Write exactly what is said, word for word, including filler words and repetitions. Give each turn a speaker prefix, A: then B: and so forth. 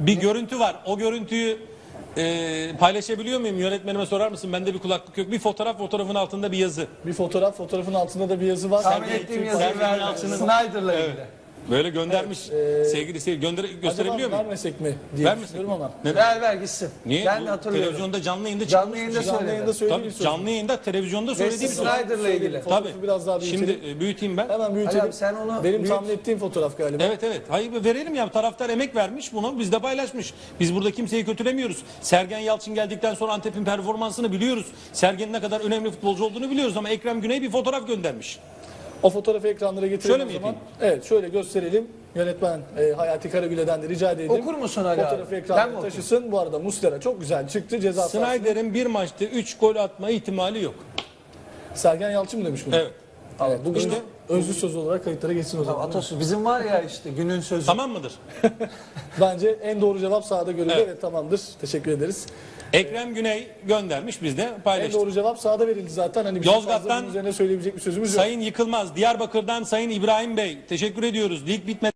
A: Bir görüntü var. O görüntüyü e, paylaşabiliyor muyum? Yönetmenime sorar mısın? Bende bir kulaklık yok. Bir fotoğraf, fotoğrafın altında bir yazı.
B: Bir fotoğraf, fotoğrafın altında da bir yazı var.
C: Tahmin
B: Sergen
C: ettiğim
B: Yalçın
C: yazıyı
B: paylaşıyor.
C: verdi. Snyder'la ilgili.
B: Evet.
A: Böyle göndermiş.
B: Evet, e,
A: sevgili seyirci. Gönder gösterebiliyor
B: Acaba
A: muyum?
B: vermesek mi diye
A: Vermesek
B: düşünüyorum
A: mi?
B: ama.
A: Neden?
C: Ver ver gitsin.
A: Niye?
C: Ben
A: Bu
C: de hatırlıyorum.
A: televizyonda canlı yayında
C: Canlı
A: çıkmış.
C: yayında
B: Canlı yayında
C: söyledi.
B: söylediğim
A: Tabii,
B: bir
A: canlı yayında televizyonda
C: Wesley
A: söylediğim bir söz.
C: Snyder'la ilgili.
B: Fotoğrafı
A: Tabii.
B: biraz daha büyütelim.
A: Şimdi e, büyüteyim ben.
B: Hemen büyütelim.
C: Ali abi sen onu
B: Benim
C: büyüt.
B: tahmin ettiğim fotoğraf galiba.
A: Evet evet. Hayır verelim ya. Taraftar emek vermiş bunu. Biz de paylaşmış. Biz burada kimseyi kötülemiyoruz. Sergen Yalçın geldikten sonra Antep'in performansını biliyoruz. Sergen'in ne kadar önemli futbolcu olduğunu biliyoruz ama Ekrem Güney bir fotoğraf göndermiş.
B: O fotoğrafı ekranlara getirelim
A: Şöyle
B: o
A: mi
B: zaman.
A: yapayım?
B: Evet şöyle gösterelim. Yönetmen e, Hayati Karagüle'den de rica edelim.
C: Okur musun Ali abi?
B: Fotoğrafı
C: Ben
B: ekranlara
C: mi okuyayım?
B: taşısın. Bu arada Muslera çok güzel çıktı. Ceza sahasında.
A: Snyder'in bir maçta üç gol atma ihtimali yok.
B: Sergen Yalçın mı demiş bunu?
A: Evet.
B: Evet, bugün
A: İşte-
B: de özlü söz olarak kayıtlara geçsin o zaman.
C: Atasözü bizim var ya işte günün sözü.
A: Tamam mıdır?
B: Bence en doğru cevap sahada görüldü.
A: Evet.
B: Evet. tamamdır. Teşekkür ederiz.
A: Ekrem Güney göndermiş, biz de
B: En
A: paylaştık.
B: doğru cevap sahada verildi zaten. Hani bizim
A: Yozgat'tan
B: fazla bunun üzerine söyleyebilecek bir sözümüz yok.
A: Sayın Yıkılmaz, Diyarbakır'dan Sayın İbrahim Bey teşekkür ediyoruz. Lig bitmedi.